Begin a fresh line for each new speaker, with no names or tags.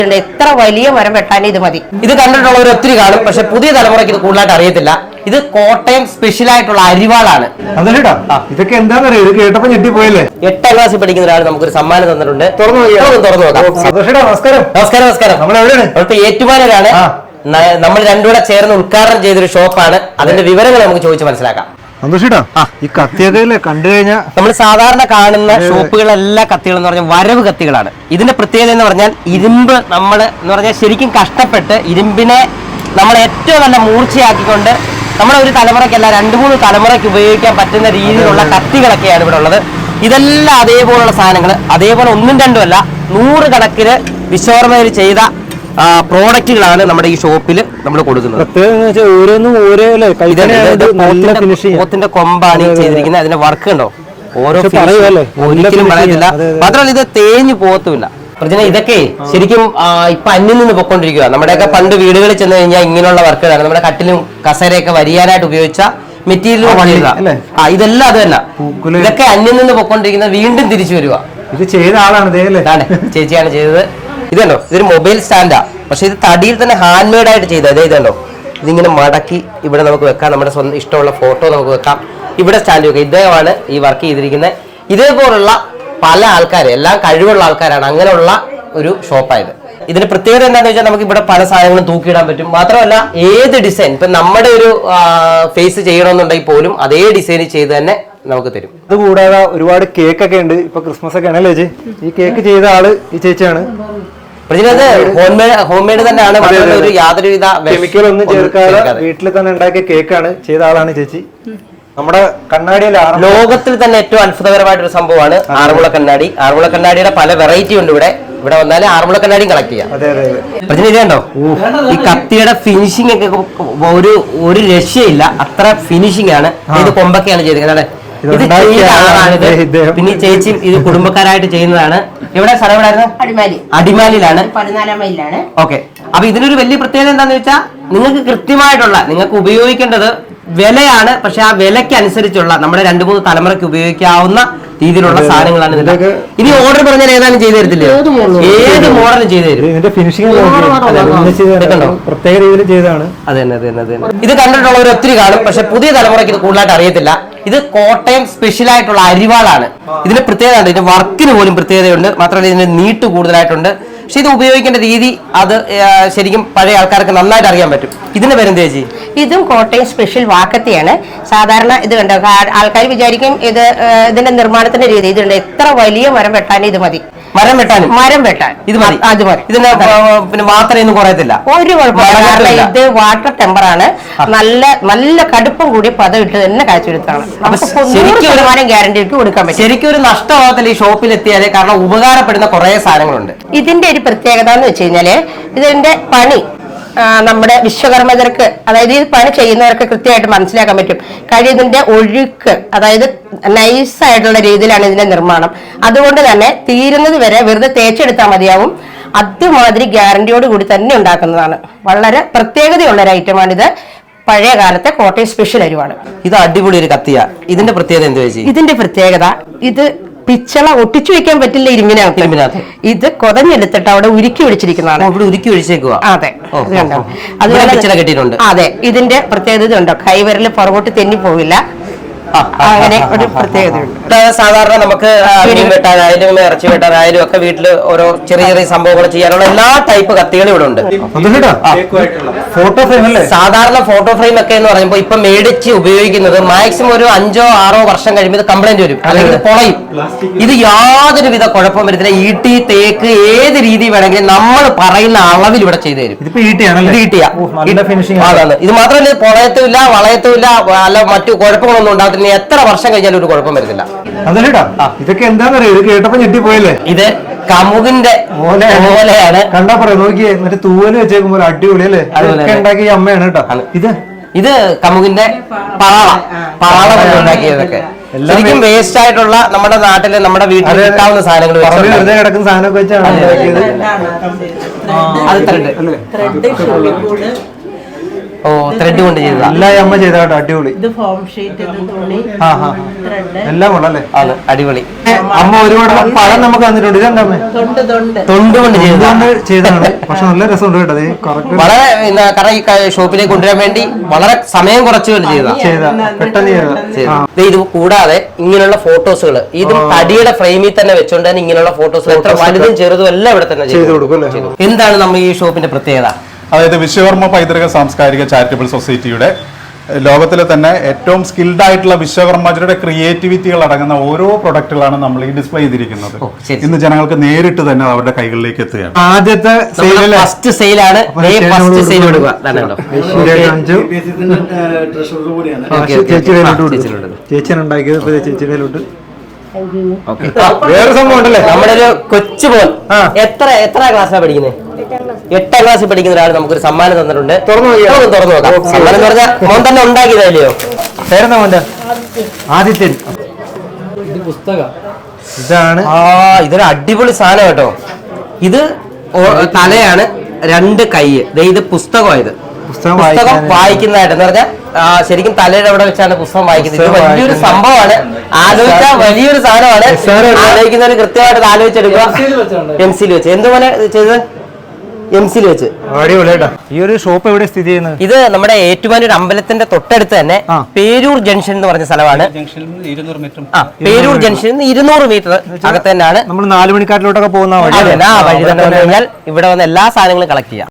എത്ര വലിയ മരം വെട്ടാൻ ഇത് മതി.
ഇത് കണ്ടിട്ടുള്ളവർ ഒത്തിരി കാണും, പക്ഷെ പുതിയ തലമുറയ്ക്ക് ഇത് കൂടുതലായിട്ട് അറിയത്തില്ല. ഇത് കോട്ടയം സ്പെഷ്യൽ ആയിട്ടുള്ള അരിവാളാണ്.
ഇതൊക്കെ എന്താണെന്നറിയോ, ഇത് കേട്ടപ്പോ ഞെട്ടിപ്പോയല്ലേ.
8ാം ക്ലാസ്സിൽ പഠിക്കുന്ന ഒരാൾ നമുക്കൊരു സമ്മാനം തന്നിട്ടുണ്ട്. തുറന്നു നോക്കാം.
നമസ്കാരം.
നമസ്കാരം.
നമ്മൾ എവിടെയാണ്?
അവിടുത്തെ ഏറ്റുമാനൂരാണ്. നമ്മൾ രണ്ടുകൂടെ ചേർന്ന് ഉദ്ഘാടനം ചെയ്തൊരു ഷോപ്പാണ്. അതിന്റെ വിവരങ്ങൾ നമുക്ക് ചോദിച്ച് മനസ്സിലാക്കാം.
സന്തോഷേട്ടാ, ഈ കത്തിയൊക്കെ കണ്ടു കഴിഞ്ഞാൽ
നമ്മൾ സാധാരണ കാണുന്ന ഷോപ്പുകളെല്ലാ കത്തികൾ എന്ന് പറഞ്ഞാൽ വരവ് കത്തികളാണ്. ഇതിന്റെ പ്രത്യേകത എന്ന് പറഞ്ഞാൽ ഇരുമ്പ് നമ്മൾ എന്ന് പറഞ്ഞാൽ ശരിക്കും കഷ്ടപ്പെട്ട് ഇരുമ്പിനെ നമ്മൾ ഏറ്റവും നല്ല മൂർച്ചയാക്കിക്കൊണ്ട് നമ്മുടെ ഒരു തലമുറയ്ക്കല്ല 2-3 തലമുറയ്ക്ക് ഉപയോഗിക്കാൻ പറ്റുന്ന രീതിയിലുള്ള കത്തികളൊക്കെയാണ് ഇവിടെ ഉള്ളത്. ഇതെല്ലാം അതേപോലുള്ള സാധനങ്ങൾ, അതേപോലെ 1-2 അല്ല 100 കണക്കിന് വിശ്വകർമ്മയിൽ ചെയ്ത പ്രോഡക്റ്റുകളാണ് നമ്മുടെ ഈ ഷോപ്പിൽ നമ്മൾ കൊടുക്കുന്നത്. പോത്തിന്റെ കൊമ്പാണ് ചെയ്തിരിക്കുന്നത്. അതിന്റെ വർക്ക് ഉണ്ടോ, ഓരോ ഒരിക്കലും പറയുന്നില്ല. മാത്രമല്ല ഇത് തേഞ്ഞു പോകത്തുമില്ല. ഇതൊക്കെ ശരിക്കും ഇപ്പൊ അന്യം നിന്ന് പൊക്കൊണ്ടിരിക്കുക. നമ്മുടെയൊക്കെ പണ്ട് വീടുകളിൽ ചെന്ന് കഴിഞ്ഞാൽ ഇങ്ങനെയുള്ള വർക്കുകളാണ്. നമ്മുടെ കട്ടിലും കസേരയൊക്കെ വരിയാനായിട്ട് ഉപയോഗിച്ച മെറ്റീരിയൽ. ഇതെല്ലാം അത് തന്നെ. ഇതൊക്കെ അന്യം നിന്ന് പൊക്കൊണ്ടിരിക്കുന്നത് വീണ്ടും തിരിച്ചു വരിക.
ഇത് ചെയ്ത ആളാണ്,
ചേച്ചിയാണ് ചെയ്തത്. ഇതല്ലോ, ഇതൊരു മൊബൈൽ സ്റ്റാൻഡാ, പക്ഷെ ഇത് തടിയിൽ തന്നെ ഹാൻഡ് മെയ്ഡ് ആയിട്ട് ചെയ്തത്. ഇതല്ലോ, ഇതിങ്ങനെ മടക്കി ഇവിടെ നമുക്ക് വെക്കാം. നമ്മുടെ സ്വന്തം ഇഷ്ടമുള്ള ഫോട്ടോ നമുക്ക് വെക്കാം. ഇവിടെ സ്റ്റാൻഡ് വെക്കാം. ഇദ്ദേഹമാണ് ഈ വർക്ക് ചെയ്തിരിക്കുന്നത്. ഇതേപോലുള്ള പല ആൾക്കാർ, എല്ലാം കഴിവുള്ള ആൾക്കാരാണ്. അങ്ങനെയുള്ള ഒരു ഷോപ്പായത്. ഇതിന്റെ പ്രത്യേകത എന്താണെന്ന് വെച്ചാൽ നമുക്ക് ഇവിടെ പല സാധനങ്ങളും തൂക്കിയിടാൻ പറ്റും. മാത്രമല്ല ഏത് ഡിസൈൻ, ഇപ്പൊ നമ്മുടെ ഒരു ഫേസ് ചെയ്യണമെന്നുണ്ടെങ്കിൽ പോലും അതേ ഡിസൈൻ ചെയ്ത് തന്നെ നമുക്ക് തരും.
അത് കൂടാതെ ഒരുപാട് കേക്ക് ഒക്കെ ഉണ്ട്. ഇപ്പൊ ക്രിസ്മസ് ഒക്കെ ആണല്ലേ ചേച്ചി? ഈ കേക്ക് ചെയ്ത ആള് ഈ ചേച്ചിയാണ്.
ഹോം മെയ്ഡ് തന്നെയാണ്. ഒരു യാതൊരുവിധ
കെമിക്കൽ ഒന്നും ചേർക്കാതെ വീട്ടിൽ തന്നെ ഉണ്ടാക്കിയ കേക്കാണ് ചെയ്ത ആളാണ് ചേച്ചി. നമ്മുടെ കണ്ണാടിയിൽ
ലോകത്തിൽ തന്നെ ഏറ്റവും അത്ഭുതകരമായിട്ടൊരു സംഭവമാണ് ആറന്മുള കണ്ണാടി. ആറന്മുള കണ്ണാടിയുടെ പല വെറൈറ്റി ഉണ്ട്. ഇവിടെ വന്നാല് ആറന്മുള കണ്ണാടിയും കളക്ട് ചെയ്യാം. ഇതുണ്ടോ, ഈ കത്തിയുടെ ഫിനിഷിംഗ് ഒക്കെ ഒരു രക്ഷയില്ല. അത്ര ഫിനിഷിംഗ് ആണ്. ഇത് കൊമ്പൊക്കെയാണ് ചെയ്തിരിക്കുന്നത്. ഇത് ചെയ്ത ആളാണിത്. പിന്നെ ചേച്ചി ഇത് കുടുംബക്കാരായിട്ട് ചെയ്യുന്നതാണ്. എവിടെ സ്ഥലം എവിടെയായിരുന്നു? അടിമാലിയിലാണ്.
14 മൈലിലാണ്.
ഓക്കെ. അപ്പൊ ഇതിനൊരു വലിയ പ്രത്യേകത എന്താന്ന് വെച്ചാൽ നിങ്ങൾക്ക് കൃത്യമായിട്ടുള്ള, നിങ്ങൾക്ക് ഉപയോഗിക്കേണ്ടത് വിലയാണ്. പക്ഷെ ആ വിലയ്ക്ക് അനുസരിച്ചുള്ള നമ്മുടെ 2-3 തലമുറയ്ക്ക് ഉപയോഗിക്കാവുന്ന രീതിയിലുള്ള സാധനങ്ങളാണ് ഇതിന്റെ. ഇനി ഓർഡർ പറഞ്ഞാൽ ഏതാനും ചെയ്തു തരത്തില്ലേ? ഏത് മോഡലും ചെയ്തു തരും.
പ്രത്യേക രീതിയിൽ ചെയ്തതാണ്.
അതെ. ഇത് കണ്ടിട്ടുള്ളവർ ഒത്തിരി കാണും, പക്ഷെ പുതിയ തലമുറയ്ക്ക് ഇത് കൂടുതലായിട്ട് അറിയത്തില്ല. ഇത് കോട്ടയം സ്പെഷ്യൽ ആയിട്ടുള്ള അരിവാളാണ്. ഇതിന്റെ പ്രത്യേകത, ഇതിന്റെ വർക്കിന് പോലും പ്രത്യേകതയുണ്ട്. മാത്രമല്ല ഇതിന്റെ നീട്ട് കൂടുതലായിട്ടുണ്ട്. പക്ഷെ ഇത് ഉപയോഗിക്കേണ്ട രീതി അത് ശരിക്കും പഴയ ആൾക്കാർക്ക് നന്നായിട്ട് അറിയാൻ പറ്റും. ഇതിന്റെ പേരെന്ത് ചേച്ചി?
ഇതും കോട്ടയം സ്പെഷ്യൽ വാക്കത്തിയാണ്. സാധാരണ ഇത് കണ്ടോ, ആൾക്കാർ വിചാരിക്കും ഇതിന്റെ നിർമ്മാണത്തിന്റെ രീതി. ഇതുണ്ട്, എത്ര വലിയ മരം വെട്ടാൻ ഇത് മതി.
മരം വെട്ടാൻ ഇത് മതി.
അത് മതി.
ഇതിന് പിന്നെ മാത്രമൊന്നും കുറയത്തില്ല,
ഒരു കുഴപ്പമില്ല. ഇത് വാട്ടർ ടെമ്പറാണ്. നല്ല കടുപ്പം കൂടി പദം ഇട്ട് തന്നെ കാഴ്ചവെടുത്താണ്. ശരിക്കും ഗ്യാരണ്ടി ഇട്ട് കൊടുക്കാൻ പറ്റും.
ശരിക്കും ഒരു നഷ്ടമാകത്തില്ല ഈ ഷോപ്പിൽ എത്തിയാല്. കാരണം ഉപകാരപ്പെടുന്ന കുറെ സാധനങ്ങളുണ്ട്.
ഇതിന്റെ ഒരു പ്രത്യേകത എന്ന് വെച്ച് കഴിഞ്ഞാല് ഇതിന്റെ പണി നമ്മുടെ വിശ്വകർമ്മകർക്ക്, അതായത് ഈ പണി ചെയ്യുന്നവർക്ക് കൃത്യമായിട്ട് മനസ്സിലാക്കാൻ പറ്റും. കാര്യം ഇതിന്റെ ഒഴുക്ക്, അതായത് നൈസായിട്ടുള്ള രീതിയിലാണ് ഇതിന്റെ നിർമ്മാണം. അതുകൊണ്ട് തന്നെ തീരുന്നത് വരെ വെറുതെ തേച്ചെടുത്താൽ മതിയാവും. അതുമാതിരി ഗ്യാരണ്ടിയോട് കൂടി തന്നെ ഉണ്ടാക്കുന്നതാണ്. വളരെ പ്രത്യേകതയുള്ള ഒരു ഐറ്റമാണിത്. പഴയ കാലത്തെ കോട്ടയം സ്പെഷ്യൽ അരിവാണ്.
ഇത് അടിപൊളി ഒരു കത്തിയാ. ഇതിന്റെ പ്രത്യേകത എന്താ വെച്ചാൽ,
ഇതിന്റെ പ്രത്യേകത ഇത് പിച്ചള ഒട്ടിച്ചു വെക്കാൻ പറ്റില്ല ഇരുമ്പിനകത്ത്. ഇത് കൊതഞ്ഞെടുത്തിട്ട് അവിടെ ഉരുക്കി ഒഴിച്ചിരിക്കുന്നതാണ്.
ഉരുക്കി ഒഴിച്ചേക്കുക.
അതെ, അതുപോലെ അതെ. ഇതിന്റെ പ്രത്യേകത ഉണ്ടോ, കൈവിരൽ പുറകോട്ട് തെന്നി പോവില്ല. അങ്ങനെ ഒരു പ്രത്യേകതയുണ്ട്.
സാധാരണ നമുക്ക് മീൻ വെട്ടാനായാലും ഇറച്ചി വെട്ടാനായാലും ഒക്കെ വീട്ടിൽ ഓരോ ചെറിയ ചെറിയ സംഭവങ്ങൾ ചെയ്യാനുള്ള എല്ലാ ടൈപ്പ് കത്തികളും ഇവിടെ ഉണ്ട്.
ഫോട്ടോ ഫ്രെയിം അല്ലേ?
സാധാരണ ഫോട്ടോ ഫ്രെയിം ഒക്കെ എന്ന് പറയുമ്പോൾ ഇപ്പൊ മേടിച്ച് ഉപയോഗിക്കുന്നത് മാക്സിമം ഒരു 5-6 വർഷം കഴിയുമ്പോൾ കംപ്ലൈന്റ് വരും, അല്ലെങ്കിൽ പൊളയും. ഇത് യാതൊരുവിധ കുഴപ്പം വരുന്നില്ല. ഈട്ടി, തേക്ക്, ഏത് രീതി വേണമെങ്കിലും നമ്മൾ പറയുന്ന അളവിൽ ഇവിടെ ചെയ്തു തരും. ഇത് മാത്രമല്ല, ഇത് പൊളയത്തുമില്ല, വളയത്തുമില്ല, അല്ല മറ്റു കുഴപ്പങ്ങളൊന്നും ഉണ്ടാകത്തില്ല. എത്ര വർഷം കഴിഞ്ഞാലും ഒരു കുഴപ്പം വരുന്നില്ല.
ഇതൊക്കെ എന്താണെന്നറിയോ, ഇത് കേട്ടപ്പോ ഞെട്ടിപ്പോയല്ലേ?
ഇത് കമുകിന്റെ ഓലയാണ്.
കണ്ടാ പറയാ, നോക്കിയേ, മറ്റേ തൂവല് വെച്ചേക്കുമ്പോ അടിപൊളി അല്ലേ? അതൊക്കെ ഉണ്ടാക്കിയ അമ്മയാണ് കേട്ടോ.
ഇത് കമുകിന്റെ പാള ഉണ്ടാക്കിയതൊക്കെ ശരിക്കും വേസ്റ്റ് ആയിട്ടുള്ള നമ്മുടെ നാട്ടില് നമ്മുടെ വീട്ടിൽ കിട്ടാവുന്ന സാധനങ്ങൾ
വെറുതെ കിടക്കുന്ന സാധനമൊക്കെ വെച്ചാണ്.
ഓ ത്രെഡ് കൊണ്ട് ചെയ്തതാ.
എല്ലാം ഈ അമ്മ ചെയ്ത കേട്ടോ, അടിപൊളി.
ഇത് ഫോം ഷീറ്റ്, ഇത് തുണി, ത്രെഡ്,
എല്ലാം കൊള്ളല്ലേ.
ആണ് അടിപൊളി.
അമ്മ ഒരുപാട് പഴം നമുക്ക് തന്നിട്ടുണ്ട്. ഇതെന്താ അമ്മ?
തൊണ്ട് കൊണ്ട്
ചെയ്തതാണ്. പക്ഷെ നല്ല രസമുണ്ട് കേട്ടോ. അത് കറക്റ്റ്
വളരെ കാരണം ഈ ഷോപ്പിലേക്ക് കൊണ്ടുവരാൻ വേണ്ടി വളരെ സമയം കുറച്ചുകൊണ്ട് ചെയ്ത
പെട്ടെന്ന് ചെയ്ത.
ഇത് കൂടാതെ ഇങ്ങനെയുള്ള ഫോട്ടോസുകൾ ഇതും തടിയുടെ ഫ്രെയിമിൽ തന്നെ വെച്ചുകൊണ്ട് തന്നെ ഇങ്ങനെയുള്ള ഫോട്ടോസുകൾ എത്ര വലുതും ചെറുതും എല്ലാം ഇവിടെ തന്നെ
ചെയ്തു കൊടുക്കും അല്ലേ.
എന്താണ് നമ്മൾ ഈ ഷോപ്പിന്റെ പ്രത്യേകത?
അതായത് വിശ്വകർമ്മ പൈതൃക സാംസ്കാരിക ചാരിറ്റബിൾ സൊസൈറ്റിയുടെ ലോകത്തിലെ തന്നെ ഏറ്റവും സ്കിൽഡ് ആയിട്ടുള്ള വിശ്വകർമ്മരുടെ ക്രിയേറ്റിവിറ്റികൾ അടങ്ങുന്ന ഓരോ പ്രൊഡക്റ്റുകളാണ് നമ്മൾ ഈ ഡിസ്പ്ലേ ചെയ്തിരിക്കുന്നത്. ഇന്ന് ജനങ്ങൾക്ക് നേരിട്ട് തന്നെ അവരുടെ കൈകളിലേക്ക് എത്തുകയാണ്.
ആദ്യത്തെ
ഫസ്റ്റ് സെയിലാണ്. ഫസ്റ്റ് സെയിൽ കൊടുക്കുക.
ചേച്ചിയുണ്ടാക്കിയത് ചേച്ചിയിലോട്ട്.
വേറെ സംഭവം ഉണ്ടല്ലേ, നമ്മുടെ ഒരു കൊച്ചു പോൽ എത്ര ക്ലാസ്സിലാണ് പഠിക്കുന്നത്? 8ാം ക്ലാസ്സിൽ പഠിക്കുന്ന ഒരാൾ നമുക്കൊരു സമ്മാനം തന്നിട്ടുണ്ട്. തുറന്നു നോക്കാം. സമ്മാനം എന്ന് പറഞ്ഞാൽ മോൻ തന്നെ ഉണ്ടാക്കിയതല്ലയോ?
പേരെന്താ മോന്റെ? ആദിത്യൻ. ഇതാണ്.
ഇതൊരു അടിപൊളി സാധനം കേട്ടോ. ഇത് തലയാണ്, 2 കൈ. ഇത് പുസ്തകമായത്. പുസ്തകം വായിക്കുന്നതായിട്ട് എന്ന് പറഞ്ഞാൽ ശരിക്കും തലയുടെ അവിടെ വെച്ചാണ് പുസ്തകം വായിക്കുന്നത്. ഇത് വലിയൊരു സംഭവമാണ്. ആലോചിച്ചാൽ വലിയൊരു സാധനമാണ്. ആലോചിക്കുന്നവര് കൃത്യമായിട്ട് ആലോചിച്ചെടുക്കുക. പെൻസിൽ വെച്ച് എന്തുപോലെ ചെയ്തത്? എംസിൽ വെച്ച്.
ഈ ഒരു ഷോപ്പ് എവിടെ സ്ഥിതി ചെയ്യുന്നത്?
ഇത് നമ്മുടെ ഏറ്റുമാനൂർ അമ്പലത്തിന്റെ തൊട്ടടുത്ത് തന്നെ പേരൂർ ജംഗ്ഷൻ എന്ന് പറഞ്ഞ സ്ഥലമാണ്. പേരൂർ ജംഗ്ഷനിൽ നിന്ന് 200 മീറ്റർ അകത്ത് തന്നെയാണ്.
നമ്മൾ 4 മണിക്കാട്ടിലോട്ടൊക്കെ പോകുന്ന
വഴി തന്നെ വന്നു കഴിഞ്ഞാൽ ഇവിടെ വന്ന് എല്ലാ സാധനങ്ങളും കളക്ട് ചെയ്യാം.